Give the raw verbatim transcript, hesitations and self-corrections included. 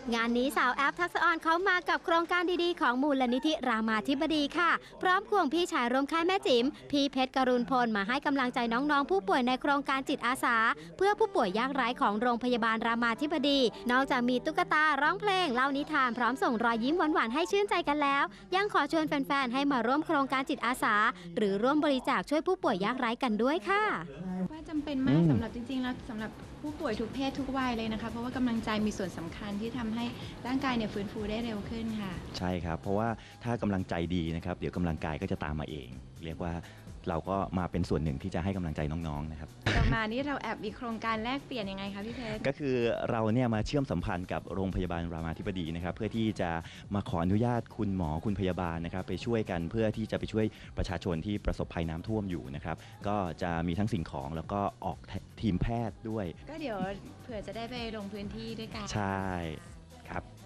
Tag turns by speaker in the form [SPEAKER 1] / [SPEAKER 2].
[SPEAKER 1] งานนี้สาวแอปทักษะออนเขามากับโครงการดีๆของมูลนิธิรามาธิบดีค่ะพร้อมควงพี่ชายร่วมค่ายแม่จิ๋มพี่เพชรกรุณพลมาให้กำลังใจน้องๆผู้ป่วยในโครงการจิตอาสาเพื่อผู้ป่วยยากไร้ของโรงพยาบาลรามาธิบดีนอกจากมีตุ๊กตาร้องเพลงเล่านิทานพร้อมส่งรอยยิ้มหวานๆให้ชื่นใจกันแล้วยังขอชวนแฟนๆให้มาร่วมโครงการจิตอาสาหรือร่วมบริจาคช่วยผู้ป่วยยากไร้กันด้วยค่ะ
[SPEAKER 2] ว่าจำเป็นมากสำหรับจริงๆแล้วสำหรับผู้ป่วยทุกเพศทุกวัยเลยนะคะเพราะว่ากำลังใจมีส่วนสำคัญที่ทำให้ร่างกายเนี่ยฟื้นฟูได้เร็วขึ้นค่ะ
[SPEAKER 3] ใช่ครับเพราะว่าถ้ากำลังใจดีนะครับเดี๋ยวกำลังกายก็จะตามมาเอง เรียกว่าเราก็มาเป็นส่วนหนึ่งที่จะให้กำลังใจน้องๆนะครับ
[SPEAKER 2] ต่อมานี่เราแอบมีโครงการแลกเปลี่ยนยังไงคะพี่เพชร
[SPEAKER 3] ก็คือเราเนี่ยมาเชื่อมสัมพันธ์กับโรงพยาบาลรามาธิบดีนะครับเพื่อที่จะมาขออนุญาตคุณหมอคุณพยาบาลนะครับไปช่วยกันเพื่อที่จะไปช่วยประชาชนที่ประสบภัยน้ำท่วมอยู่นะครับก็จะมีทั้งสิ่งของแล้วก็ออกทีมแพทย์ด้วย
[SPEAKER 2] ก็เดี๋ยวเผื่อจะได้ไปลงพื้นที่ด้วยกัน
[SPEAKER 3] ใช่ครับ